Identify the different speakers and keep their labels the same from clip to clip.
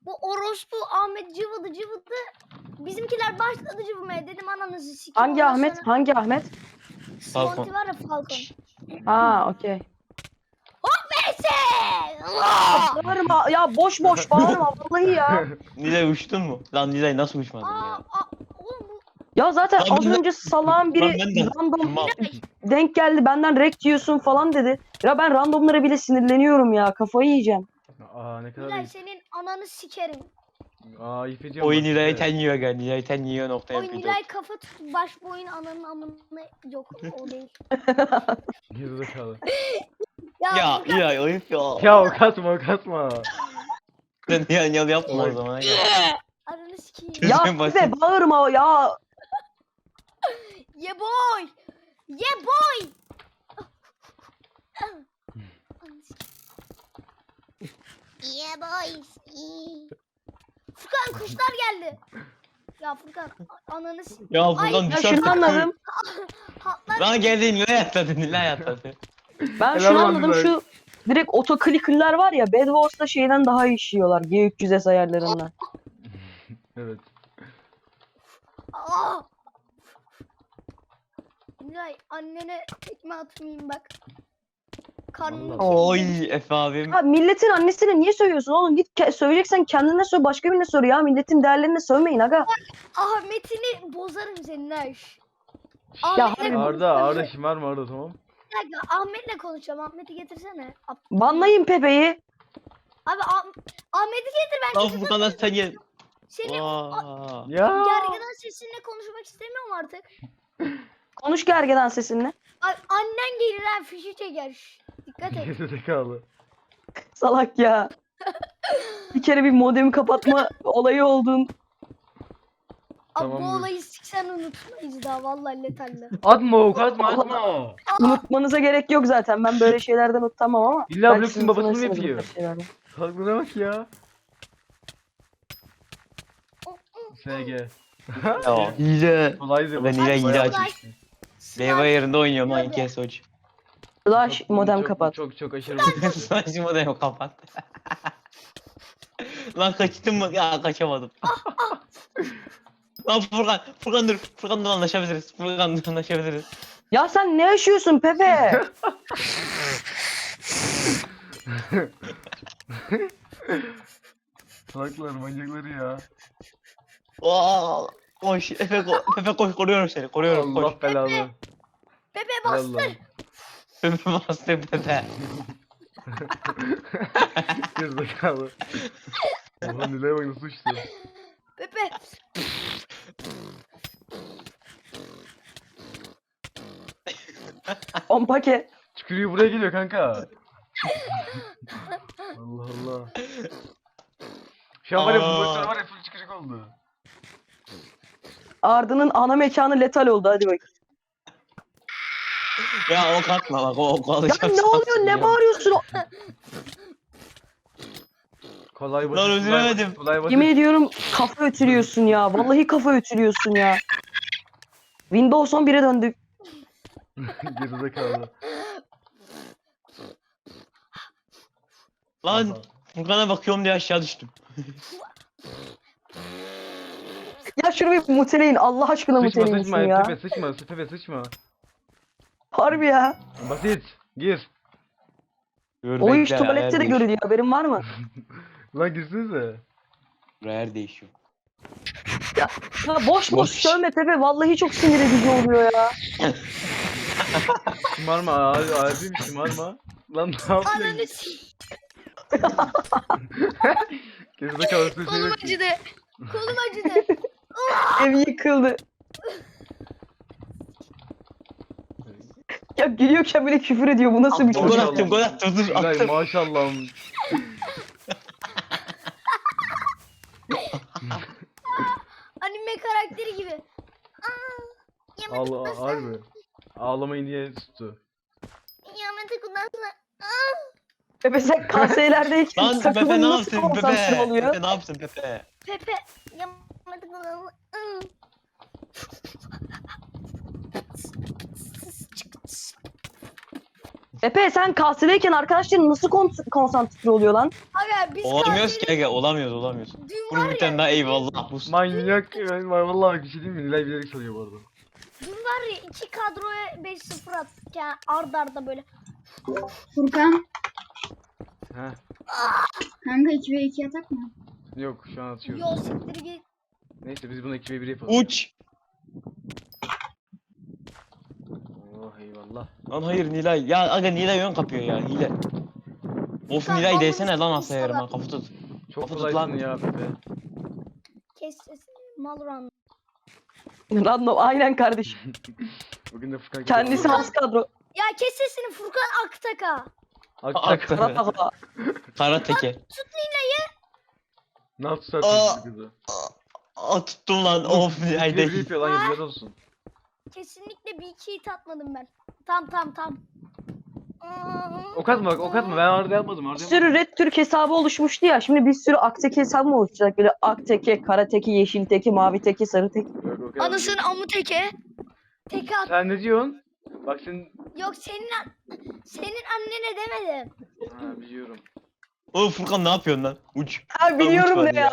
Speaker 1: Bu orospu Ahmet cıvıdı cıvıdı. Bizimkiler başladı cıvımaya. Dedim ananızı sikeyim.
Speaker 2: Hangi
Speaker 1: Ondan
Speaker 2: Ahmet?
Speaker 1: sonra
Speaker 2: Hangi Ahmet?
Speaker 1: Smonty var ya Falcon.
Speaker 2: Ha okey.
Speaker 1: Neyse.
Speaker 2: Bağırma ya, boş boş bağırma vallahi ya.
Speaker 3: Nilay uçtun mu? Lan Nilay nasıl uçmadın ya?
Speaker 1: Oğlum bu
Speaker 2: Ya zaten
Speaker 3: Lan
Speaker 2: az
Speaker 3: ben de-
Speaker 2: önce salağın biri
Speaker 3: Lan ben de-
Speaker 2: random
Speaker 3: Mal.
Speaker 2: denk geldi, benden rek diyorsun falan dedi. Ya ben randomlara bile sinirleniyorum ya, kafayı yiyeceğim.
Speaker 4: Aa ne kadar
Speaker 1: Nilay
Speaker 4: iyi.
Speaker 1: senin ananı sikerim.
Speaker 4: Aa ifeceğim.
Speaker 3: Oyun Nilay'ı tenyiyor gel. Nilay'ı tenyiyor nokta
Speaker 1: Oy
Speaker 3: yapıyor.
Speaker 1: Nilay kafa tut baş boyun ananın amına yok o değil.
Speaker 4: Gerizekalı.
Speaker 3: Ya
Speaker 1: Furkan,
Speaker 3: Nilay ayıp ya.
Speaker 4: Ya kasma.
Speaker 3: Sen Nilay yapma o zaman ya.
Speaker 1: ananı sikeyim.
Speaker 3: Çözüm
Speaker 2: Ya
Speaker 3: basit.
Speaker 2: bize bağırma ya.
Speaker 1: Yeah boy. Yeah boy. Yeah boys. Furkan kuşlar geldi. Ya Furkan ananı
Speaker 3: Ya Furkan
Speaker 2: Ya
Speaker 3: bir
Speaker 2: şunu
Speaker 3: saat
Speaker 2: anladım.
Speaker 1: hatlar.
Speaker 3: Lan geldi Nilay atladı. Nilay atladı.
Speaker 2: Ben
Speaker 4: Helal
Speaker 2: şunu
Speaker 4: olsun
Speaker 2: anladım,
Speaker 4: Nilay.
Speaker 2: şu direkt otoclicker'lar var ya, Bed Wars'ta şeyden daha iyi işliyorlar G300S ayarlarından.
Speaker 4: Evet.
Speaker 1: Aa! Nilay annene tekme atmayayım bak. Karnını
Speaker 4: Vallahi.
Speaker 3: Oy Efe abim.
Speaker 2: Ya milletin annesine niye sövüyorsun oğlum? Git söyleyeceksen kendine söv, başka birine sor ya. Milletin değerlerine sövmeyin aga.
Speaker 1: Ahmet'ini bozarım senin ha.
Speaker 2: Ya
Speaker 1: Ahmet'le
Speaker 2: harbi
Speaker 4: Arda şımarma Arda tamam.
Speaker 1: Bir dakika, Ahmet'le konuşacağım. Ahmet'i getirsene.
Speaker 2: Banlayın Pepe'yi.
Speaker 1: Abi Ahmet'i getir ben
Speaker 3: Lan
Speaker 1: kesin.
Speaker 3: Furkan'dan sen gel.
Speaker 1: Seni
Speaker 3: Vaa.
Speaker 4: Ya.
Speaker 1: gergedan sesinle konuşmak istemiyorum artık.
Speaker 2: Konuş gergedan sesinle.
Speaker 1: Annen gelir ha fişi çeker. Dikkat et.
Speaker 4: Gerizekalı.
Speaker 2: Salak ya. Bir kere bir modemi kapatma olayı oldun.
Speaker 1: Abi bu
Speaker 4: Tamamdır.
Speaker 1: olayı siksen unutmayız daha vallahi letalli.
Speaker 4: Atma ok atma.
Speaker 2: Unutmanıza gerek yok zaten. Ben böyle şeylerden utanmam ama.
Speaker 4: İlla
Speaker 2: belki
Speaker 4: Blox'un
Speaker 2: siz
Speaker 4: babasını mı
Speaker 2: utanırsınız bu
Speaker 4: yapıyor?
Speaker 2: tarz şeylerden.
Speaker 4: Kalkına bak ya. SG.
Speaker 3: Ya hile.
Speaker 4: Kolaydı.
Speaker 3: Ben Nilay hile
Speaker 4: Bayağı
Speaker 3: açmış.
Speaker 4: basit.
Speaker 3: Meyve yerinde oynuyorum lan
Speaker 1: Hadi.
Speaker 3: 2 Soç.
Speaker 2: Flash
Speaker 4: Çok-
Speaker 2: modem
Speaker 4: çok-
Speaker 2: kapat.
Speaker 4: Çok aşırı basit.
Speaker 3: Saçma da yok kapat. Lan kaçtım mı? Ya kaçamadım. Lan Furkan dur. Furkan dur anlaşabiliriz. Furkan dur anlaşabiliriz.
Speaker 2: Ya sen ne yaşıyorsun Pepe?
Speaker 4: Salaklar manyakları ya.
Speaker 3: Aa, koş Efe koş koruyorum seni koruyorum koş.
Speaker 4: Allah belanı.
Speaker 1: Pepe
Speaker 4: Hay
Speaker 1: bastır.
Speaker 4: Allah.
Speaker 3: Efe bastı Pepe.
Speaker 4: Gerizekalı. Oha Nilay'a bak nasıl uçtu.
Speaker 1: Pepe.
Speaker 2: Pompake.
Speaker 4: Tükürüğü buraya geliyor kanka. Allah Allah. Şu an var ya bu
Speaker 3: Aa.
Speaker 4: motor var ya full tükürük oldu.
Speaker 2: Arda'nın ana mekanı letal oldu, hadi bak.
Speaker 3: Ya o katma bak o
Speaker 2: Ya
Speaker 3: alacağım.
Speaker 2: ne oluyor, ne bağırıyorsun?
Speaker 4: Kolay basit.
Speaker 3: Lan
Speaker 4: kolay
Speaker 3: üzülemedim.
Speaker 4: basit, kolay basit.
Speaker 2: Yemin ediyorum kafa ötürüyorsun ya. Vallahi kafa ötürüyorsun ya. Windows 11'e döndük.
Speaker 4: Gerizekalı.
Speaker 3: Lan Furkan'a bakıyorum diye aşağı düştüm.
Speaker 2: Ya şunu bir muteleyin. Allah aşkına
Speaker 4: Sıçma
Speaker 2: muteleyin
Speaker 4: sıçma
Speaker 2: şunu ya.
Speaker 4: Pepe sıçma Pepe sıçma.
Speaker 2: Harbi ya.
Speaker 4: Basit. Gir.
Speaker 3: Dur,
Speaker 2: O iş
Speaker 3: bekle,
Speaker 2: tuvalette
Speaker 3: yer
Speaker 2: de
Speaker 3: değişiyor.
Speaker 2: görülüyor. Haberin var mı?
Speaker 4: Lan girsenize.
Speaker 3: Yer değişiyor.
Speaker 2: Ya boş boş
Speaker 3: Boş.
Speaker 2: sövme Pepe. Vallahi çok sinir edici oluyor ya.
Speaker 4: Şımarma abim şımarma. Lan ne
Speaker 1: Ananı
Speaker 4: yapıyorsun?
Speaker 1: sikeyim.
Speaker 4: Gerizekalı sesi
Speaker 1: Kolum
Speaker 4: yok.
Speaker 1: acıdı. Kolum acıdı.
Speaker 2: Ev yıkıldı. Ya gülüyorken bile küfür ediyor. Bu nasıl bir
Speaker 3: Gol
Speaker 2: çocuk?
Speaker 4: Maşallah.
Speaker 3: attım gol attım dur
Speaker 4: Nilay
Speaker 3: attım.
Speaker 4: maşallah.
Speaker 1: Anime karakteri gibi.
Speaker 4: Allah harbi. Ağlamayın diye tuttu.
Speaker 1: Yamete kudansana.
Speaker 2: Pepe sen KS'lerdeyken
Speaker 3: Lan Pepe
Speaker 2: takımın
Speaker 3: ne
Speaker 2: nasıl
Speaker 3: yaptın
Speaker 2: konsantre
Speaker 3: Pepe?
Speaker 2: oluyor?
Speaker 3: Pepe ne yaptın Pepe?
Speaker 1: Pepe. Yamete kudansana.
Speaker 2: Pepe sen kahvedeyken arkadaşların nasıl konsantre oluyor lan?
Speaker 1: Aga biz
Speaker 3: Olamıyoruz ki aga, olamıyoruz.
Speaker 1: Dün
Speaker 3: Bunun
Speaker 1: var
Speaker 3: bir tane
Speaker 1: ya,
Speaker 3: daha eyvallah. Bu
Speaker 4: Manyak ben var vallahi bir şey diyeyim mi? Nilay bilerek çalıyor bu arada.
Speaker 1: dün var ya 2 kadroya 5-0 attık ya ard arda böyle.
Speaker 5: Furkan.
Speaker 4: Heh.
Speaker 5: Kanka 2v2 atak mı?
Speaker 4: Yok şu an atıyoruz.
Speaker 1: Yol siktir git.
Speaker 4: Neyse biz bunu 2v1 yapalım.
Speaker 3: uç.
Speaker 4: Oh eyvallah.
Speaker 3: Lan hayır Nilay. Ya aga Nilay ön kapıyor ya, hile. Of
Speaker 1: Sen
Speaker 3: Nilay
Speaker 1: balonu
Speaker 3: desene lan asla
Speaker 1: sıkmışsın
Speaker 3: yarım
Speaker 1: adam.
Speaker 3: ha, kafa tut.
Speaker 4: Çok
Speaker 3: Kafa tut
Speaker 4: kolaysın
Speaker 3: lan.
Speaker 4: ya Pepe.
Speaker 1: Kes sesini Malran.
Speaker 2: Random aynen kardeşim.
Speaker 4: Bugün de Furkan
Speaker 2: Kendisi has kadro.
Speaker 1: Ya kes sesini Furkan Aktaka.
Speaker 4: Aktak.
Speaker 2: Karataha.
Speaker 3: Kara teke.
Speaker 4: Ne yaptı
Speaker 3: Aa.
Speaker 4: sen kızı?
Speaker 3: Aa tuttum lan, of Nilay
Speaker 4: 2v1
Speaker 3: değil.
Speaker 4: yapıyor lan yazılar olsun.
Speaker 1: Kesinlikle bir iki hit atmadım ben. Tam.
Speaker 4: Ok atma bak ok atma ben orada yapmadım
Speaker 2: Bir
Speaker 4: orada
Speaker 2: sürü Red Türk hesabı oluşmuştu ya. Şimdi bir sürü Akteke hesabı mı oluşacak? Böyle Akteke, Karateke, Yeşil Teke, Mavi Teke, Sarı Teke.
Speaker 4: Yok, ok atma.
Speaker 1: Anasını amı teke. Teke at.
Speaker 4: Sen ne diyorsun? Bak sen...
Speaker 1: Yok senin annene demedim.
Speaker 4: Ha biliyorum.
Speaker 3: Oğlum Furkan ne yapıyorsun lan? Uç.
Speaker 2: Ha biliyorum
Speaker 3: Uç
Speaker 2: ne
Speaker 3: var
Speaker 2: ya.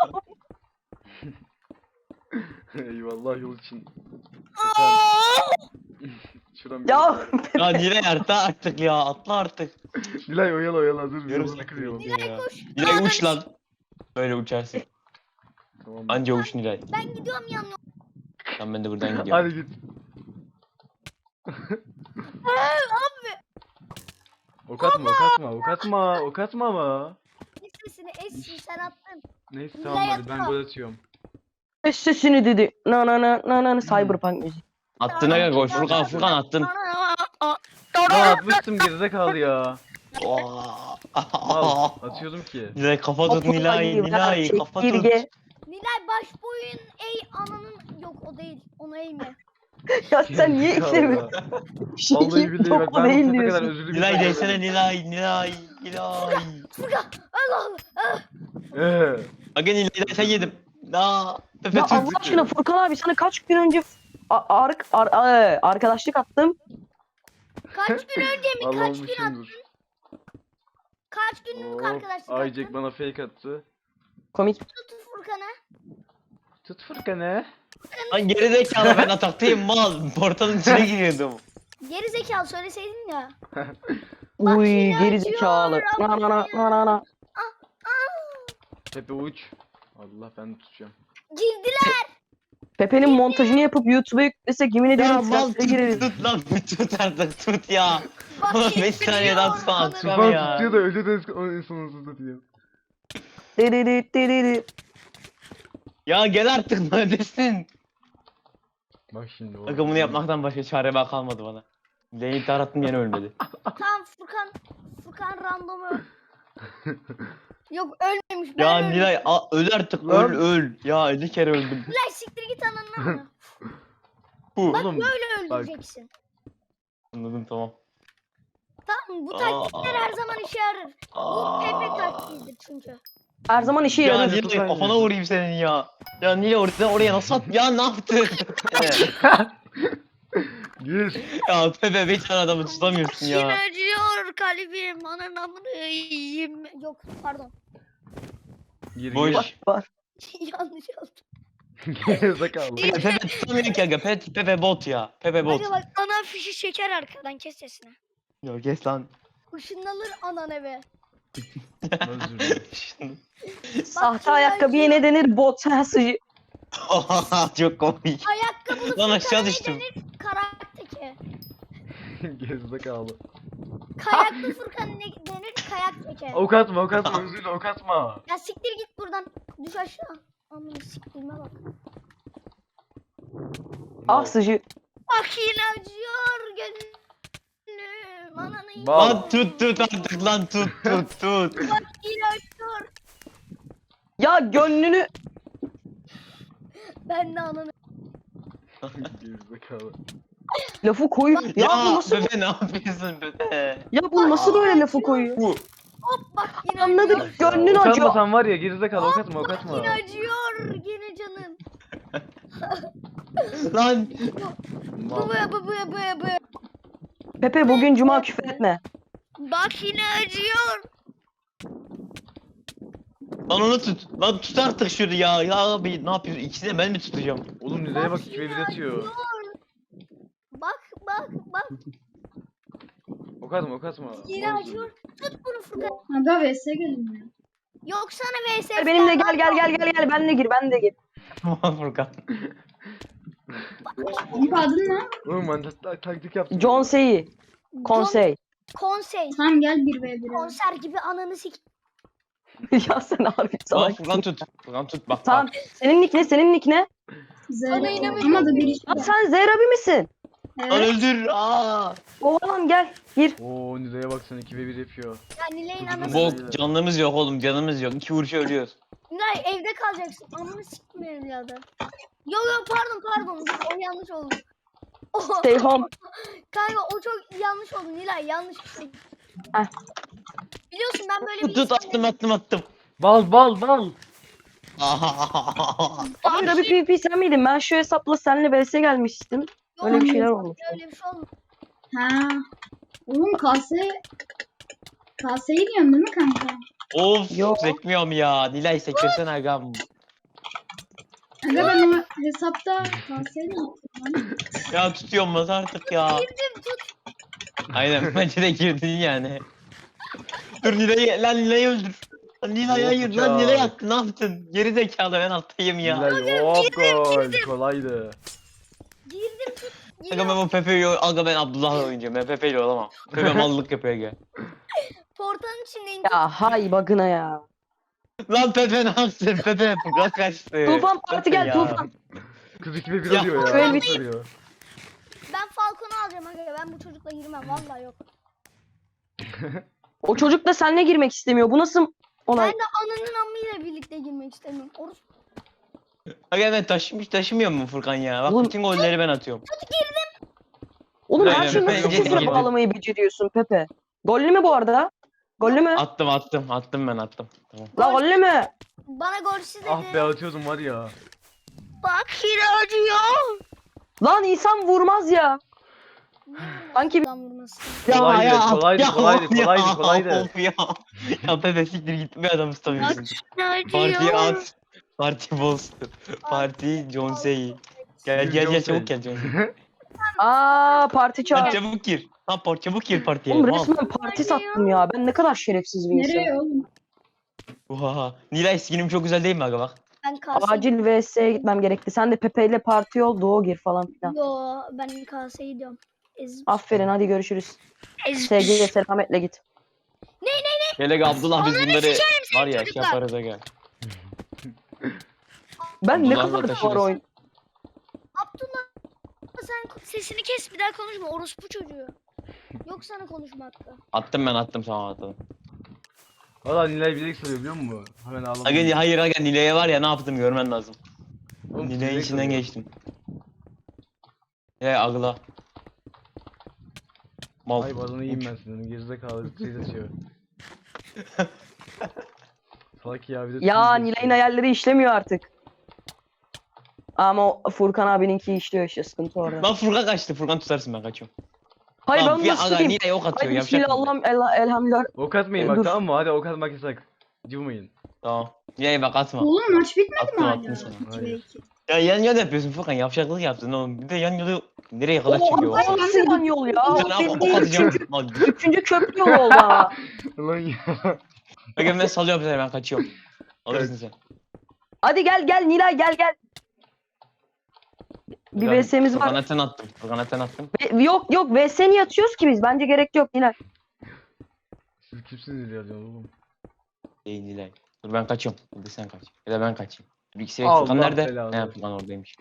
Speaker 4: Eyvallah yol için. Şuram
Speaker 2: Ya
Speaker 3: Ya Nilay artık ya, atla artık.
Speaker 4: Nilay oyala dur.
Speaker 3: Yarım
Speaker 4: Yolunu kırıyor.
Speaker 3: ya. Nilay uç lan. Böyle uçarsın.
Speaker 4: Tamam.
Speaker 3: Anca uç Nilay.
Speaker 1: Ben gidiyorum yanına.
Speaker 3: Tamam ben de buradan gidiyorum.
Speaker 4: Hadi git. Ok atma, ok atma, ok atma, ok atma ama.
Speaker 1: Kes sesini Esin sen attın.
Speaker 4: Neyse
Speaker 1: Nilay
Speaker 4: tamam hadi ben
Speaker 1: atma.
Speaker 4: gol atıyorum.
Speaker 2: kes sesini dedi. Na Cyberpunk müziği.
Speaker 3: Attın aga gol. Furkan attın.
Speaker 4: Lan atmıştım gerizekalı ya.
Speaker 3: Aa.
Speaker 4: Mal atıyordum ki.
Speaker 3: Nilay kafa tut Nilay. Nilay kafa tut.
Speaker 2: Çekirge.
Speaker 1: Nilay baş boyun ey ananın yok o değil onu eğme.
Speaker 2: Ya sen niye
Speaker 4: Gerizekalı
Speaker 2: eklemiyorsun?
Speaker 4: ya. Vallahi billahi bak
Speaker 2: Topu
Speaker 4: ben
Speaker 2: değil
Speaker 4: bu sefer kadar
Speaker 2: diyorsun.
Speaker 4: özürlü bir
Speaker 3: Nilay
Speaker 4: şey
Speaker 3: desene Nilay. Nilay.
Speaker 1: Furkan Allah Allah.
Speaker 3: Aga Nilay sen yedim. Aa. Pepe
Speaker 2: Ya
Speaker 3: tut.
Speaker 2: Allah aşkına Furkan abi sana kaç gün önce arkadaşlık attım.
Speaker 1: Kaç gün önce mi
Speaker 4: Allah'ım
Speaker 1: kaç gün
Speaker 4: düşündür.
Speaker 1: kaç günlük arkadaşlık
Speaker 4: Aycek
Speaker 1: attın?
Speaker 4: bana fake attı.
Speaker 2: Komik.
Speaker 1: Tut Furkan'ı.
Speaker 4: Tut Furkan'ı.
Speaker 3: Lan gerizekalı, ben ataktayım mal. Portalın içine giriyordum.
Speaker 1: Geri zekalı söyleseydin ya.
Speaker 2: Uy
Speaker 1: yine
Speaker 2: geri
Speaker 1: acıyor,
Speaker 2: zekalı. Na.
Speaker 4: Pepe uç. Allah ben de tutacağım.
Speaker 1: Girdiler.
Speaker 2: Pepe'nin montajını yapıp YouTube'a yüklesek yemin
Speaker 3: Ya
Speaker 2: ederim
Speaker 3: mal
Speaker 2: trendlere gireriz.
Speaker 3: tut lan. Tut artık tut ya.
Speaker 1: Bak,
Speaker 3: Oğlum 5
Speaker 1: gittiriyor
Speaker 3: saniye daha tutsan
Speaker 1: ananı.
Speaker 3: atacağım
Speaker 4: Tufan
Speaker 3: ya.
Speaker 4: tutuyor da öyle de en sonunda tutuyor.
Speaker 3: Ya gel artık neredesin?
Speaker 4: Bak şimdi. o-
Speaker 3: Aga bunu yapmaktan başka çare bak kalmadı bana. Lane tarattım yine ölmedi.
Speaker 1: Tamam Furkan random öl. Yok ölmemiş ben
Speaker 3: Ya
Speaker 1: öldüm.
Speaker 3: Nilay öl artık
Speaker 4: Lan.
Speaker 3: öl. Ya 50 kere öldüm.
Speaker 1: Nilay siktir git ananı amına.
Speaker 3: Hu.
Speaker 1: Böyle
Speaker 4: Oğlum bak.
Speaker 1: öldüreceksin.
Speaker 3: Anladım tamam.
Speaker 1: Tamam bu taktikler her zaman işe yarar. Bu Pepe taktiğidir çünkü.
Speaker 2: Her zaman işe
Speaker 3: Ya
Speaker 2: yarar.
Speaker 3: Nilay
Speaker 4: Tufan
Speaker 3: kafana
Speaker 4: ya.
Speaker 3: vurayım senin ya. Ya Nilay oraya nasıl at? Ya ne yaptın?
Speaker 4: Gir.
Speaker 3: Ya Pepe bir tane adamı tutamıyorsun
Speaker 1: Yine
Speaker 3: ya.
Speaker 1: acıyor kalbim ananın amını yiyeyim. Yok pardon.
Speaker 4: Gir
Speaker 3: Boş.
Speaker 4: gir.
Speaker 2: Var.
Speaker 1: Yanlış oldu.
Speaker 4: Gerizekalı.
Speaker 3: Pepe tutamıyor ki aga. Pepe bot ya. Pepe bot.
Speaker 1: Hadi bak ana fişi çeker arkadan kes sesini.
Speaker 3: Ya kes lan.
Speaker 1: Işınlanır anan eve.
Speaker 4: Özür dilerim.
Speaker 2: Sahte ayakkabıya ne denir? Bot ha sıcı.
Speaker 3: Çok komik.
Speaker 1: Ayakkabılı
Speaker 3: Lan aşağı
Speaker 1: Furkan'a ne
Speaker 3: düştüm.
Speaker 1: denir? Karakteki.
Speaker 4: Gerizekalı.
Speaker 1: Kayaklı Furkan ne denir? Kayak teke.
Speaker 4: Ok atma ok atma özür dilerim ok atma.
Speaker 1: Ya siktir git buradan. Düş aşağı. Amına siktirme bak.
Speaker 2: Ah sıcı.
Speaker 1: Bak yine acıyor gönlüm. Ananı yiyeyim.
Speaker 4: Bal.
Speaker 3: Lan tut artık lan tut.
Speaker 1: Bak yine acıyor.
Speaker 2: Ya gönlünü.
Speaker 1: Ben de ananı.
Speaker 4: Gerizekalı.
Speaker 2: Lafı koyuyor. Ya, bu nasıl
Speaker 3: Pepe ne yapıyorsun Pepe?
Speaker 2: ya bu nasıl böyle lafı koyuyor?
Speaker 1: Hop bak yine
Speaker 2: Anladık.
Speaker 1: acıyor.
Speaker 2: Gönlün
Speaker 4: Ok
Speaker 2: acıyor.
Speaker 4: atmasan var ya gerizekalı ok atma ok
Speaker 1: Bak
Speaker 4: atma.
Speaker 1: yine acıyor. Yine canım.
Speaker 3: Lan
Speaker 4: Mal.
Speaker 1: Bu.
Speaker 2: Pepe bugün cuma, küfür etme.
Speaker 1: Bak yine acıyor.
Speaker 3: Lan onu tut. Lan tut artık şunu ya. Ya abi ne yapıyorsun? İkisini de ben mi tutacağım?
Speaker 4: Oğlum Nilay'a bak 2v1 atıyor.
Speaker 1: Bak bak bak.
Speaker 4: Ok atma ok atma.
Speaker 1: Yine
Speaker 4: Olmaz
Speaker 1: acıyor.
Speaker 4: öyle.
Speaker 1: Tut bunu Furkan.
Speaker 5: Aga vs gelin ya.
Speaker 1: Yok sana vs.
Speaker 2: Gel benimle, gel ben de gir, ben de gir.
Speaker 3: Furkan.
Speaker 5: Senin adın ne?
Speaker 4: Oğlum ben taktik yaptım.
Speaker 2: John Say'i. Konsey.
Speaker 1: Konsey.
Speaker 5: Tamam gel 1v1.
Speaker 1: Konser gibi ananı sik.
Speaker 2: Ya sen abi
Speaker 3: Tamam
Speaker 2: salak.
Speaker 3: Furkan tut. Furkan tut bak
Speaker 2: Tamam.
Speaker 3: bak.
Speaker 2: Senin nick ne? Senin nick ne?
Speaker 1: Bana inanamıyorum.
Speaker 5: Ama da bir iş
Speaker 2: Lan
Speaker 5: var.
Speaker 2: sen Zehrabi misin?
Speaker 3: Lan
Speaker 5: Evet.
Speaker 3: öldür. Aa.
Speaker 2: Oğlum gel. Gir.
Speaker 4: Oo Nilay'a bak sen 2v1 yapıyor.
Speaker 1: Ya Nilay'ın anası.
Speaker 3: Bok canlımız yok oğlum canımız yok. 2 vuruşa ölüyoruz.
Speaker 1: Nilay evde kalacaksın. Ananı siktim evladı. Yok pardon. O yanlış oldu. O,
Speaker 2: Stay home.
Speaker 1: kanka o çok yanlış oldu Nilay yanlış bir şey.
Speaker 2: Heh.
Speaker 1: Biliyorsun ben böyle bir
Speaker 3: Tut attım.
Speaker 4: Bal bal bal.
Speaker 2: Abi Rabi PvP sen miydin? Ben şu hesapla seninle vs gelmiştim.
Speaker 1: Yok,
Speaker 2: Öyle bir şeyler olmuş.
Speaker 1: Öyle bir şey olmadı.
Speaker 5: Ha. Oğlum kaseyi diyorsun değil mi kanka?
Speaker 3: Of
Speaker 2: Yok.
Speaker 3: sekmiyorum ya. Nilay sekirsen agam.
Speaker 5: Aga ben o hesapta kaseyi de yaptım lan.
Speaker 3: Ya tutuyorum bas artık ya.
Speaker 1: Girdim tut.
Speaker 3: Aynen bence de girdin yani. Dur Nilay'ı öldür. Lan Nilay
Speaker 4: Yok
Speaker 3: hayır
Speaker 4: bıçağı.
Speaker 3: lan Nilay yaktı ne yaptın? Geri zekalı ben alttayım ya.
Speaker 4: Nilay hop gol. Kolaydı.
Speaker 1: Girdim tut.
Speaker 3: Aga ben o Pepe'yi aga ben Abdullah'la oynayacağım. Ben Pepe'yle olamam. Pepe mallık yapıyor aga.
Speaker 1: Portanın içindeyim.
Speaker 2: Ya hay bagına ya.
Speaker 3: Lan Pepe ne yaptın? Pepe Furkan kaçtı.
Speaker 2: Tufan parti gel
Speaker 3: Ya.
Speaker 2: Tufan.
Speaker 4: Kız 2v1
Speaker 3: Ya,
Speaker 4: alıyor ya.
Speaker 2: şöyle
Speaker 4: Nasıl
Speaker 2: bir-
Speaker 4: alıyor?
Speaker 1: Ben Falcon'u alacağım aga. Ben bu çocukla girmem. Vallahi yok.
Speaker 2: O çocuk da seninle girmek istemiyor. Bu nasıl olay?
Speaker 1: Ben de ananın amıyla birlikte girmek istemiyorum.
Speaker 3: Aga ben taşımıyor mu Furkan ya? Bak
Speaker 2: Oğlum-
Speaker 3: bütün golleri ben atıyorum.
Speaker 2: Oğlum her
Speaker 3: Aynen,
Speaker 2: şeyi
Speaker 3: Pepe
Speaker 2: nasıl
Speaker 3: geri
Speaker 2: sıfıra
Speaker 3: girdi.
Speaker 2: bağlamayı beceriyorsun Pepe? Gollü mü bu arada? Gollü mü?
Speaker 3: Attım ben attım. Tamam.
Speaker 2: La gollü mü?
Speaker 1: Bana golsüz dedi.
Speaker 4: Ah be atıyordum var ya.
Speaker 1: Bak yine acıyor.
Speaker 2: Lan insan vurmaz ya. Sanki-
Speaker 1: Lan vurması.
Speaker 4: Kolaydı.
Speaker 3: Of ya. Ya Pepe siktir git bir adam tutamıyorsun. Partiye at. Parti bozdu. Parti John Say'i. Gel çabuk gel John Say.
Speaker 2: Aa parti
Speaker 3: Lan
Speaker 2: çağır.
Speaker 3: çabuk gir. Lan çabuk gir partiye.
Speaker 2: Oğlum
Speaker 3: Mal.
Speaker 2: resmen parti sattım ya. Ben ne kadar şerefsiz bir insanım.
Speaker 5: Nereye oğlum?
Speaker 3: Oha. Nilay skinim çok güzel değil mi aga bak?
Speaker 1: Ben kaseyi...
Speaker 2: Acil VS'ye gitmem gerekti. Sen de Pepe ile parti ol, Doğu gir falan filan.
Speaker 1: Yo ben kaseyi diyorum.
Speaker 2: Aferin hadi görüşürüz.
Speaker 1: Ez...
Speaker 2: Sevgiyle selametle git.
Speaker 3: Gel aga Abdullah biz bunları var ya şey
Speaker 1: çocuklar.
Speaker 3: yaparız aga.
Speaker 2: Ben ne
Speaker 3: Abdullah'la
Speaker 2: kadar da var
Speaker 3: taşırız.
Speaker 2: oyun.
Speaker 1: Abdullah sen sesini kes bir daha konuşma orospu çocuğu. Yok sana konuşma hakkı.
Speaker 3: Attım tamam attım.
Speaker 4: Valla Nilay bilerek soruyor biliyor musun? Hemen ağladım.
Speaker 3: Aga hayır aga Nilay'a var ya ne yaptım görmen lazım.
Speaker 4: Oğlum,
Speaker 3: Nilay'ın
Speaker 4: bilerek
Speaker 3: içinden
Speaker 4: soruyor.
Speaker 3: geçtim. Agla. Mal.
Speaker 4: Ay bazını yiyeyim ben senin. Gerizekalı şey atıyor. Salak ya bir de
Speaker 2: Ya
Speaker 4: tweet
Speaker 2: Nilay'ın
Speaker 4: atıyor.
Speaker 2: hayalleri işlemiyor artık. Ama o Furkan abininki işliyor işte sıkıntı orada.
Speaker 3: Lan Furkan kaçtı. Furkan tutarsın ben kaçıyorum.
Speaker 2: Hayır ben
Speaker 3: Lan
Speaker 2: onu
Speaker 3: ya
Speaker 2: nasıl
Speaker 3: aga
Speaker 2: tutayım?
Speaker 3: Nilay ok atıyor
Speaker 2: Ay
Speaker 3: yapacak.
Speaker 2: bismillah elhamdülillah.
Speaker 4: Ok atmayın bak
Speaker 2: Dur.
Speaker 4: tamam mı? Hadi ok atmak yasak. Cıvmayın.
Speaker 3: Tamam. Nilay bak atma.
Speaker 5: Oğlum maç bitmedi mi
Speaker 3: Attım,
Speaker 5: hala?
Speaker 3: attım sana.
Speaker 5: 2v2.
Speaker 3: Ya yan yana yapıyorsun Furkan yavşaklık yaptın oğlum. Bir de yan yana nereye kadar
Speaker 2: O
Speaker 3: çıkıyor?
Speaker 2: o nasıl yan yol ya? O
Speaker 3: Sen ok
Speaker 2: bildiğin
Speaker 3: atacağım. Lan,
Speaker 2: üçüncü köprü yolu oldu ama.
Speaker 4: Lan ya.
Speaker 3: Aga ben salıyorum seni ben kaçıyorum. Alırsın sen.
Speaker 2: Hadi gel Nilay gel. Bir
Speaker 3: Ben
Speaker 2: VS'miz
Speaker 3: Furkan
Speaker 2: var.
Speaker 3: aten attım. Furkan aten attım.
Speaker 2: Yok VS niye atıyoruz ki biz? Bence gerek yok Nilay.
Speaker 4: Siz kimsiniz ya diyorum oğlum.
Speaker 3: Değil Nilay. Dur ben kaçıyorum. Hadi sen kaç. Ya da ben kaçayım. Bir ikisi
Speaker 4: Allah
Speaker 3: Furkan nerede?
Speaker 4: belanı.
Speaker 3: Ne Furkan oradaymış.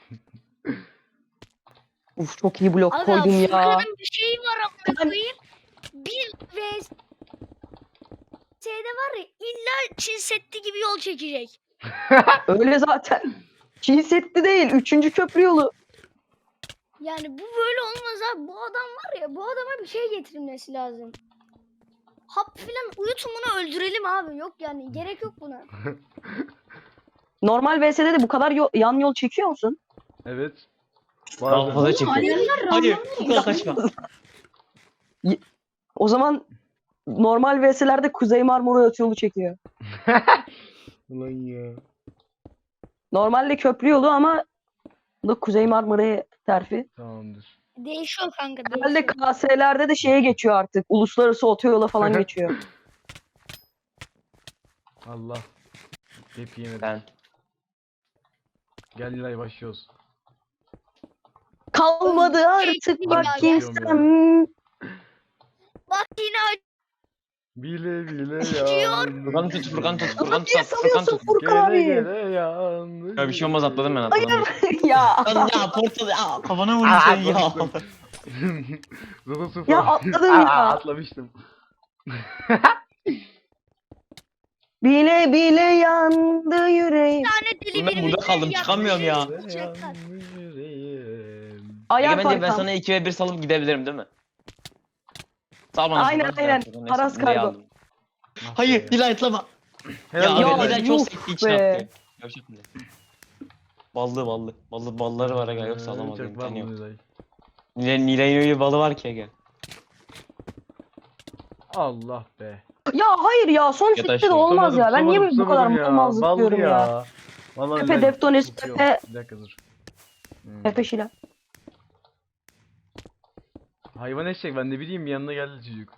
Speaker 2: Uf çok iyi blok
Speaker 1: Aga
Speaker 2: koydum ya.
Speaker 1: Furkan'ın bir şeyi var amına
Speaker 2: Ben-
Speaker 1: koyayım. Bir vs şeyde var ya illa Çin Seddi gibi yol çekecek.
Speaker 2: Öyle zaten. Çin Seddi değil. Üçüncü köprü yolu.
Speaker 1: Yani bu böyle olmaz abi. Bu adam var ya bu adama bir şey getirilmesi lazım. Hap filan uyutun bunu öldürelim abi. Yok yani gerek yok buna.
Speaker 2: Normal VS'de de bu kadar yan yol çekiyor musun?
Speaker 4: Evet.
Speaker 3: Daha
Speaker 4: Bazen.
Speaker 3: fazla çekiyor.
Speaker 5: Alevler
Speaker 3: Hayır
Speaker 5: random
Speaker 3: Furkan kaçma.
Speaker 2: O zaman normal VS'lerde Kuzey Marmara Otoyolu çekiyor.
Speaker 4: Ulan ya.
Speaker 2: Normalde köprü yolu ama bu da Kuzey Marmara'ya terfi.
Speaker 4: Tamamdır.
Speaker 1: Değişiyor kanka,
Speaker 2: Herhalde
Speaker 1: değişiyor.
Speaker 2: KS'lerde de şeye geçiyor artık. Uluslararası otoyola falan geçiyor.
Speaker 4: Allah. Hep yemedim.
Speaker 3: Ben.
Speaker 4: Gel Nilay başlıyoruz.
Speaker 2: Kalmadı artık
Speaker 1: Keyifli
Speaker 2: bak
Speaker 1: ya.
Speaker 2: kimsem.
Speaker 1: Bak yine
Speaker 4: Bile bile
Speaker 1: Acıyor.
Speaker 3: Furkan tut, Furkan tut, Furkan
Speaker 2: Ama
Speaker 3: tut,
Speaker 2: niye
Speaker 3: Furkan
Speaker 2: salıyorsun
Speaker 3: tut.
Speaker 2: Furkan abi?
Speaker 4: yandı.
Speaker 3: Ya bir şey olmaz, atladım ben, atladım.
Speaker 2: Ya.
Speaker 3: Lan ya portal ya, kafana vurdun sen ya.
Speaker 4: Zılı sıfır.
Speaker 2: Ya atladım ya.
Speaker 4: Atlamıştım.
Speaker 2: Bile bile yandı yüreğim.
Speaker 1: bir tane deli
Speaker 3: Ben burada kaldım, çıkamıyorum ya.
Speaker 1: Yapacaklar.
Speaker 4: Yüreğim.
Speaker 2: Ayar
Speaker 3: Ege bence ben
Speaker 2: Farkan.
Speaker 3: sana 2 ve 1 salıp gidebilirim değil mi? Sağ bana
Speaker 2: Aynen,
Speaker 3: Furkan,
Speaker 2: aynen.
Speaker 3: Furkan, neyse,
Speaker 2: Paras
Speaker 3: Nilay'ı
Speaker 2: kargo.
Speaker 3: aldım. Hayır, Nilay atlama. Ya
Speaker 4: Helal
Speaker 3: abi
Speaker 2: Ya,
Speaker 3: Nilay
Speaker 2: yuh
Speaker 3: çok sekti için
Speaker 2: be.
Speaker 3: attı. Yavşak Nilay. Balları var aga, yoksa alamaz
Speaker 4: Çok
Speaker 3: imkanı yok.
Speaker 4: Nilay.
Speaker 3: Nilay'ın öyle bir balı var ki Ege.
Speaker 4: Allah be.
Speaker 2: Ya hayır ya son
Speaker 3: Ya da
Speaker 2: sette de
Speaker 3: şey.
Speaker 2: olmaz ya. Ben niye bu kadar
Speaker 4: Tutamadım
Speaker 2: mal zıplıyorum ya.
Speaker 4: Vallahi
Speaker 2: Pepe,
Speaker 4: Nilay
Speaker 2: Deftones,
Speaker 4: tutuyor.
Speaker 2: Pepe.
Speaker 4: Bir dakika dur.
Speaker 2: Pepe Şila.
Speaker 4: Hayvan eşek, ben ne bileyim, yanına geldi çocuk.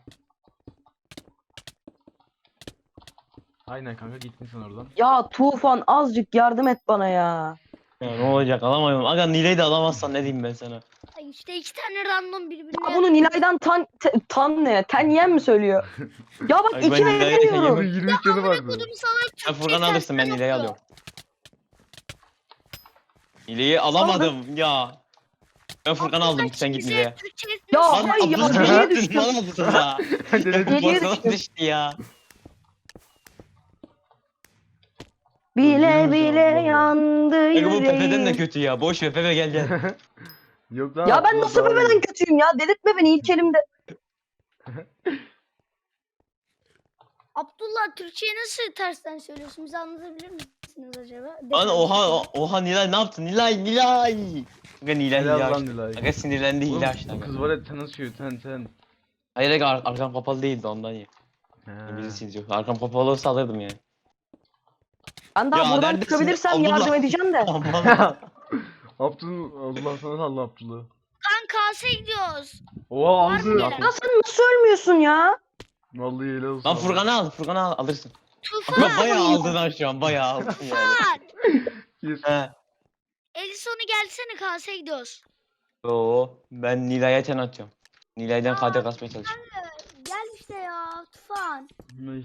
Speaker 4: Aynen kanka, gittin sen oradan.
Speaker 2: Ya Tufan azıcık yardım et bana ya.
Speaker 3: Ya ne olacak, alamıyorum. Aga Nilay'ı da alamazsan ne diyeyim ben sana.
Speaker 1: Ay işte iki tane random birbirine.
Speaker 2: Ya bunu Nilay'dan tan ne? Ten yem mi söylüyor? Ya bak
Speaker 3: Ay, ben
Speaker 2: 2
Speaker 3: Nilay'ı
Speaker 2: veremiyorum.
Speaker 4: Onun 23 canı vardı.
Speaker 1: Kodum salak
Speaker 3: Sen
Speaker 1: Türkçe
Speaker 3: Furkan'ı alırsın, ben
Speaker 1: tersten
Speaker 3: Nilay'ı
Speaker 1: okuyor.
Speaker 3: alıyorum. Nilay'ı alamadım ya. Ben Furkan'ı aldım, sen git
Speaker 1: Bize
Speaker 3: Nilay'a.
Speaker 1: Türkçe
Speaker 2: Ya
Speaker 1: nasıl-
Speaker 2: hayır ya
Speaker 3: Abdülhamit
Speaker 2: geriye
Speaker 3: düştün,
Speaker 2: düştüm.
Speaker 3: bana mısın ya?
Speaker 4: Denedim.
Speaker 2: Geriye
Speaker 3: Portala
Speaker 2: düştüm.
Speaker 3: düştü ya.
Speaker 2: Bile
Speaker 4: Yürü
Speaker 2: bile
Speaker 4: canım,
Speaker 2: yandı
Speaker 3: Aga bu Pepe'den de
Speaker 2: yüreğim.
Speaker 3: kötü ya. Boş ver Pepe, gel gel.
Speaker 4: Yok lan.
Speaker 2: Ya ben
Speaker 4: Abdullah
Speaker 2: nasıl
Speaker 4: daha iyi.
Speaker 2: Pepe'den kötüyüm ya? Delirtme beni ilk elimde.
Speaker 1: Abdullah Türkçeyi nasıl tersten söylüyorsun? Bize anlatabilir misiniz acaba?
Speaker 3: Lan oha Nilay ne yaptın? Nilay. Aga Nilay
Speaker 4: Helal
Speaker 3: hile
Speaker 4: lan
Speaker 3: açtı.
Speaker 4: Nilay.
Speaker 3: Aga sinirlendi,
Speaker 4: Oğlum,
Speaker 3: hile açtı
Speaker 4: bu
Speaker 3: aga.
Speaker 4: kız var ya, ten asıyor, ten.
Speaker 3: Hayır aga arkam kapalı değildi ondan ya.
Speaker 4: He.
Speaker 3: Birisi yok. Arkam kapalı olsa alırdım yani.
Speaker 2: Ben daha
Speaker 3: Ya
Speaker 2: buradan
Speaker 3: neredesin?
Speaker 2: çıkabilirsem
Speaker 3: Abdullah.
Speaker 2: yardım edeceğim de.
Speaker 3: Aman.
Speaker 4: Allah sana salla Abdullah.
Speaker 1: Kan kase gidiyoruz.
Speaker 4: Oha
Speaker 1: Var mı
Speaker 4: aldı.
Speaker 1: gelen?
Speaker 2: Ya sen nasıl ölmüyorsun ya?
Speaker 4: Vallahi helal olsun.
Speaker 3: Lan Furkan'ı al alırsın.
Speaker 1: Tufan.
Speaker 3: Aga bayağı aldın lan şu an, bayağı aldın yani.
Speaker 1: Tufan.
Speaker 4: Yes.
Speaker 3: He.
Speaker 1: Edison'u gelsene kase gidiyoruz.
Speaker 3: Oo, ben Nilay'a ten atıyorum. Nilay'dan KD kasmaya çalışıyorum.
Speaker 1: Gel işte ya Tufan.
Speaker 4: Ay.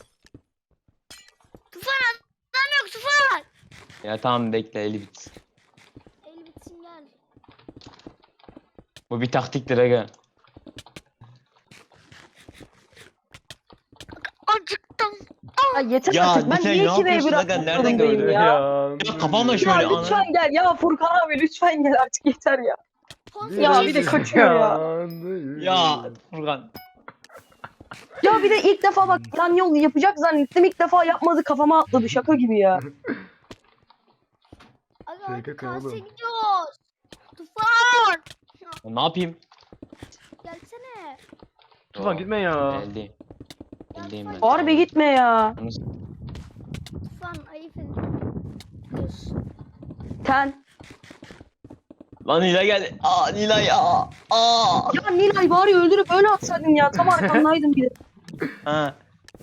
Speaker 1: Tufan adam yok Tufan.
Speaker 3: Ya tamam bekle, eli bitsin.
Speaker 1: El bitsin gel.
Speaker 3: Bu bir taktiktir aga.
Speaker 1: Acıktım.
Speaker 2: Ya yeter
Speaker 3: Ya
Speaker 2: artık. Ben
Speaker 3: sen
Speaker 2: niye
Speaker 3: ne
Speaker 2: 2 v 1
Speaker 3: yapıyorsun aga?
Speaker 2: atmak
Speaker 3: Nereden
Speaker 2: zorundayım
Speaker 3: gördün?
Speaker 2: ya?
Speaker 3: Ya kafamla
Speaker 2: Ya
Speaker 3: şöyle ana.
Speaker 2: lütfen gel ya Furkan abi lütfen gel artık yeter ya. Ya bir de kaçıyor ya.
Speaker 3: Ya Furkan.
Speaker 2: Ya bir de ilk defa bak yan yol yapacak zannettim ilk defa yapmadı kafama atladı şaka gibi ya.
Speaker 1: Aga
Speaker 4: Şey
Speaker 1: hadi
Speaker 4: kaka
Speaker 1: kase
Speaker 4: oğlum.
Speaker 1: gidiyoruz. Tufan.
Speaker 3: Ya ne yapayım?
Speaker 1: Gelsene.
Speaker 4: Tufan gitme ya.
Speaker 3: Geldeyim. Geldeyim ben.
Speaker 2: Harbi gitme ya.
Speaker 1: Tufan ayıp ediyorsun.
Speaker 2: Ten.
Speaker 3: Lan Nilay geldi. Aa Nilay ya. Aa.
Speaker 2: Ya Nilay bari öldürüp öyle atsaydın ya tam arkandaydım bir de.
Speaker 3: Ha.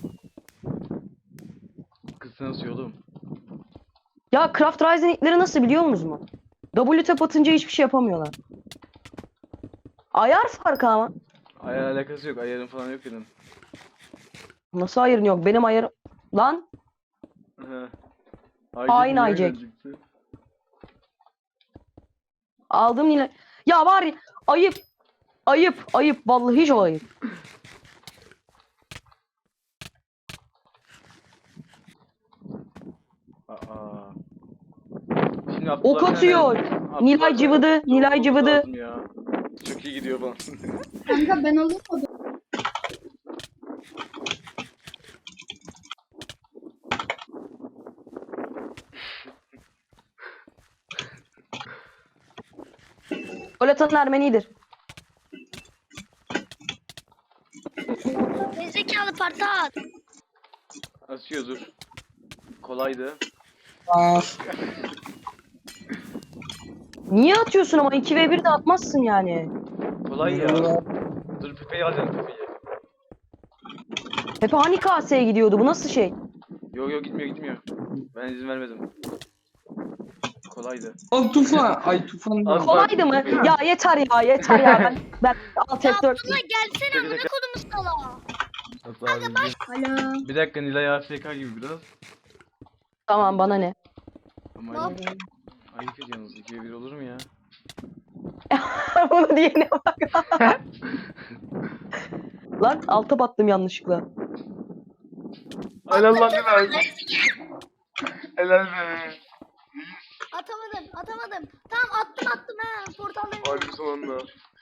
Speaker 4: Kız sen nasıl oğlum?
Speaker 2: Ya Craft Rising ilkleri nasıl biliyor musunuz mu? W tap atınca hiçbir şey yapamıyorlar. Ayar farkı ama.
Speaker 4: Ayar alakası yok. Ayarın falan yok dedim.
Speaker 2: Nasıl ayarın yok? Benim ayarım... Lan
Speaker 4: He.
Speaker 2: Hain
Speaker 4: niye
Speaker 2: Aycek.
Speaker 4: gelecekti?
Speaker 2: aldım Nilay. Ya var ya ayıp. Ayıp. Vallahi hiç ayıp.
Speaker 4: Aa. Şimdi Abdullah
Speaker 2: Ok atıyor.
Speaker 4: Abdullah
Speaker 2: Nilay
Speaker 4: da-
Speaker 2: cıvıdı. Nilay
Speaker 4: Olması
Speaker 2: cıvıdı.
Speaker 4: lazım ya. Çok iyi gidiyor bana.
Speaker 5: Kanka ben alayım mı?
Speaker 2: Gol atan Ermenidir.
Speaker 1: Parti at.
Speaker 4: Asıyor dur. Kolaydı.
Speaker 2: Niye atıyorsun ama 2v1 de atmazsın yani.
Speaker 4: Kolay ya. Dur Pepe'yi alacağım Pepe'yi.
Speaker 2: Pepe hani kaseye gidiyordu, bu nasıl şey?
Speaker 4: Yok gitmiyor. Ben izin vermedim. Kolaydı.
Speaker 6: Al Tufan. Ay Tufan.
Speaker 4: Al.
Speaker 2: Kolaydı mı? Ya yeter ya ben alt
Speaker 1: Ya
Speaker 2: F4.
Speaker 1: Abdullah gelsene
Speaker 4: Dakika,
Speaker 1: amına
Speaker 4: dakika.
Speaker 1: kodumuz sala.
Speaker 5: Alo.
Speaker 4: Bir dakika Nilay AFK gibi biraz.
Speaker 2: Tamam bana ne?
Speaker 4: Ama
Speaker 1: Ne
Speaker 4: ayıp, ayıp ediyorsunuz. 2v1 olur mu ya?
Speaker 2: Bunu diyene bak. Lan alta battım yanlışlıkla.
Speaker 4: Helal lan Nilay. Helal be.
Speaker 1: Atamadım. Tamam attım ha. Portaldayım.
Speaker 4: Harbi sonunda.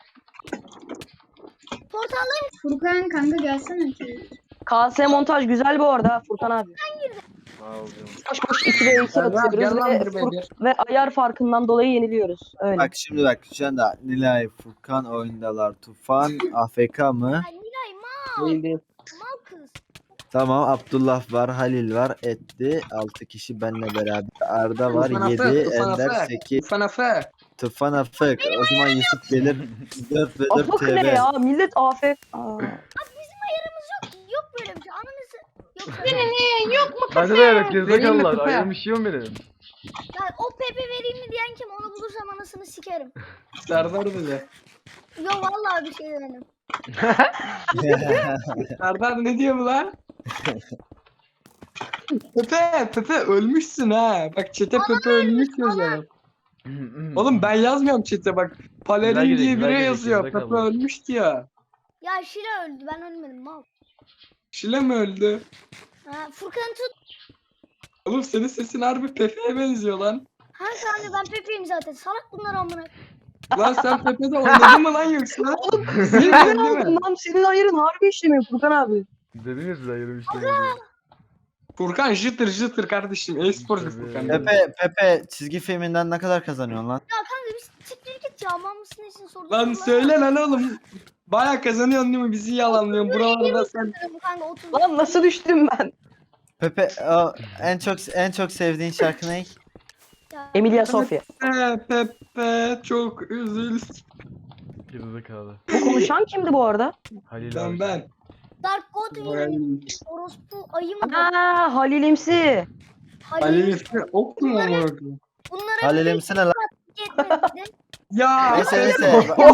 Speaker 1: Portaldayım.
Speaker 5: Furkan kanka gelsene ki.
Speaker 2: KS montaj güzel bu arada Furkan abi.
Speaker 4: Sağ ol canım.
Speaker 2: Boş 2v2
Speaker 6: Server, gel
Speaker 2: atıyoruz
Speaker 6: lan
Speaker 2: ve,
Speaker 6: bir beygir.
Speaker 2: ve ayar farkından dolayı yeniliyoruz. Öyle.
Speaker 7: Bak şimdi bak şu anda Nilay, Furkan oyundalar. Tufan AFK mı?
Speaker 1: Ya Nilay mal.
Speaker 6: Değil değil.
Speaker 1: Mal kız.
Speaker 7: Tamam, Abdullah var, Halil var, etti. 6 kişi benimle beraber. Arda var,
Speaker 6: Tufan
Speaker 7: 7,
Speaker 6: Afe, Tufan
Speaker 7: Ender
Speaker 6: Afe.
Speaker 7: 8.
Speaker 6: Tufan Afe.
Speaker 7: Tufan AFK. O zaman Yusuf gelir 4 ve 4
Speaker 2: Afak ne
Speaker 7: TV.
Speaker 2: ya? Millet afet.
Speaker 1: Bizim ayarımız yok. Yok böyle bir şey. Ananızı. Yok.
Speaker 4: Bende de evet
Speaker 6: Vereyim mi
Speaker 4: gerizekalılar.
Speaker 6: Pepe?
Speaker 4: Ayırmış yiyorum benim.
Speaker 1: Ya o Pepe vereyim mi diyen kim? Onu bulursam anasını sikerim.
Speaker 6: Serdar dedi.
Speaker 1: Yo vallahi bir şey demedim.
Speaker 6: Serdar ne diyor bu lan? Pepe ölmüşsün ha. Bak chat'e Pepe ölmüş yazıyor. Oğlum ben yazmıyorum chat'e bak.
Speaker 4: Güzel
Speaker 6: Palerin
Speaker 4: gidiyor,
Speaker 6: diye
Speaker 4: güzel
Speaker 6: biri
Speaker 4: gidiyor,
Speaker 6: yazıyor.
Speaker 4: güzel
Speaker 6: Pepe
Speaker 4: kaldı.
Speaker 6: ölmüştü ya.
Speaker 1: Ya Şila öldü. Ben ölmedim mal.
Speaker 6: Şile mi öldü?
Speaker 1: Ha, Furkan'ı tut.
Speaker 6: Oğlum senin sesin harbi Pepe'ye benziyor lan.
Speaker 1: Ha kanka ben Pepe'yim zaten. Salak bunlar amına.
Speaker 6: Lan sen Pepe'de oynadın mı lan yoksa?
Speaker 2: Oğlum
Speaker 6: Değil
Speaker 2: senin
Speaker 6: mi?
Speaker 2: aldın lan. Senin ayarın harbi işlemiyor Furkan abi.
Speaker 4: Dediniz size ayırmış diye.
Speaker 6: Furkan jıtır kardeşim. E-sporcu Furkan.
Speaker 7: Pepe çizgi filminden ne kadar kazanıyorsun lan?
Speaker 1: Ya kanka biz siktir git ya. Mal mısın için sordum.
Speaker 6: Lan söyle lan oğlum. Baya kazanıyorsun değil mi? Bizi yalanlıyorsun. Buralarda sen.
Speaker 1: Kanka 30.
Speaker 2: Lan nasıl düştüm ben?
Speaker 7: Pepe en çok sevdiğin şarkı ne?
Speaker 1: Ya,
Speaker 2: Emilia Sofya.
Speaker 6: Pepe çok üzül.
Speaker 4: Gerizekalı.
Speaker 2: Bu konuşan kimdi bu arada?
Speaker 4: Halil abi.
Speaker 6: Ben.
Speaker 1: Dark God Villain. Orospu ayı mı?
Speaker 2: Aa Halilimsi.
Speaker 6: Ali ok mu amına koyayım?
Speaker 1: Bunlara
Speaker 7: Halilimsi ne lan?
Speaker 1: yetmedi.
Speaker 6: Ya.
Speaker 7: Neyse neyse.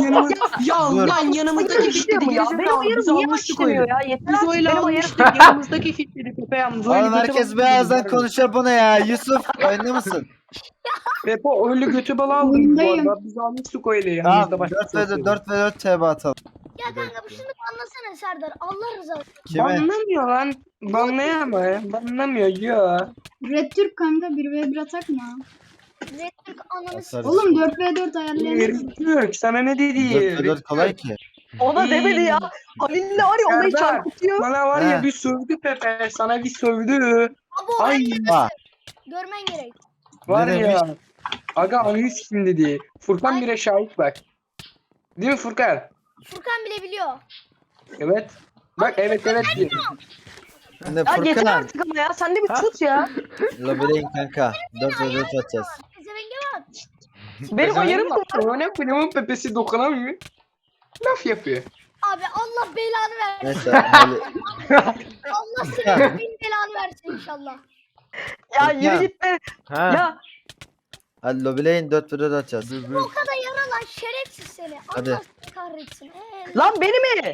Speaker 6: Ya
Speaker 7: Dur.
Speaker 6: lan yanımızdaki
Speaker 2: İşlemiyor
Speaker 6: fitleri
Speaker 2: ya. Benim ayarım niye işlemiyor ya? Yeter
Speaker 6: Biz
Speaker 2: artık
Speaker 6: öyle
Speaker 2: benim ayarım.
Speaker 6: almıştık yanımızdaki fitleri Pepe yalnız. öyle
Speaker 7: Oğlum
Speaker 6: götü
Speaker 7: herkes
Speaker 6: balı
Speaker 7: birazdan
Speaker 6: aldı.
Speaker 7: konuşuyor bunu ya. Yusuf oyunda mısın?
Speaker 6: Pepe öyle götü balı aldım bu
Speaker 5: Oyundayım.
Speaker 6: arada. Biz almıştık öyle
Speaker 7: Tamam
Speaker 6: yanımızda başka.
Speaker 7: 4 ve 4 TB atalım.
Speaker 1: Ya kanka şunu anlasana Serdar. Allah rızası.
Speaker 7: Kime?
Speaker 6: Banlamıyor lan. Banlayamıyor ya. Banlamıyor ya.
Speaker 5: Red Türk kanka 1v1 atak mı?
Speaker 1: Red Türk ananı s***.
Speaker 7: Atarız.
Speaker 5: Oğlum 4v4 ayarlayamaz.
Speaker 6: Yok sana ne
Speaker 7: 4
Speaker 6: dedi?
Speaker 7: ve 4 kolay ki.
Speaker 2: Ona demedi ya. Halil'le var ya olayı
Speaker 6: Serdar.
Speaker 2: çarpıtıyor.
Speaker 6: Bana var ya
Speaker 7: He.
Speaker 6: bir sövdü Pepe. Sana bir sövdü.
Speaker 1: Abo
Speaker 6: Ay
Speaker 7: Ha.
Speaker 1: görmen gerek.
Speaker 6: var
Speaker 7: Ne
Speaker 6: ya. Aga analiz kim dedi. Furkan bile şahit bak. Değil mi Furkan?
Speaker 1: Furkan bile biliyor.
Speaker 6: Evet. Bak evet diyor.
Speaker 7: Şimdi
Speaker 2: Ya yeter
Speaker 7: Furkan.
Speaker 2: artık ama ya. Sen de bir tut ya.
Speaker 7: Lobileyin kanka. 4 ve 4 atacağız.
Speaker 1: Pezevenge bak.
Speaker 2: Benim ayarım da var.
Speaker 6: Ne koyduğumun Pepe'si dokunamıyor. Laf yapıyor.
Speaker 1: Abi Allah belanı versin.
Speaker 7: Neyse Halil.
Speaker 1: Allah senin bin belanı versin inşallah.
Speaker 2: Ya yürü git be.
Speaker 4: Ha.
Speaker 2: Ya
Speaker 7: Hadi lobileyin 4 ve 4 atacağız.
Speaker 4: Dur
Speaker 1: O
Speaker 4: dur.
Speaker 1: kadar yara lan şerefsiz seni.
Speaker 7: Hadi.
Speaker 1: Allah seni kahretsin.
Speaker 2: lan beni mi?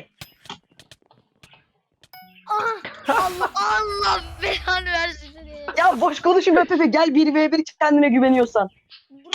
Speaker 1: Allah belanı versin seni.
Speaker 2: Ya boş konuşma Pepe. Gel 1v1 kendine güveniyorsan.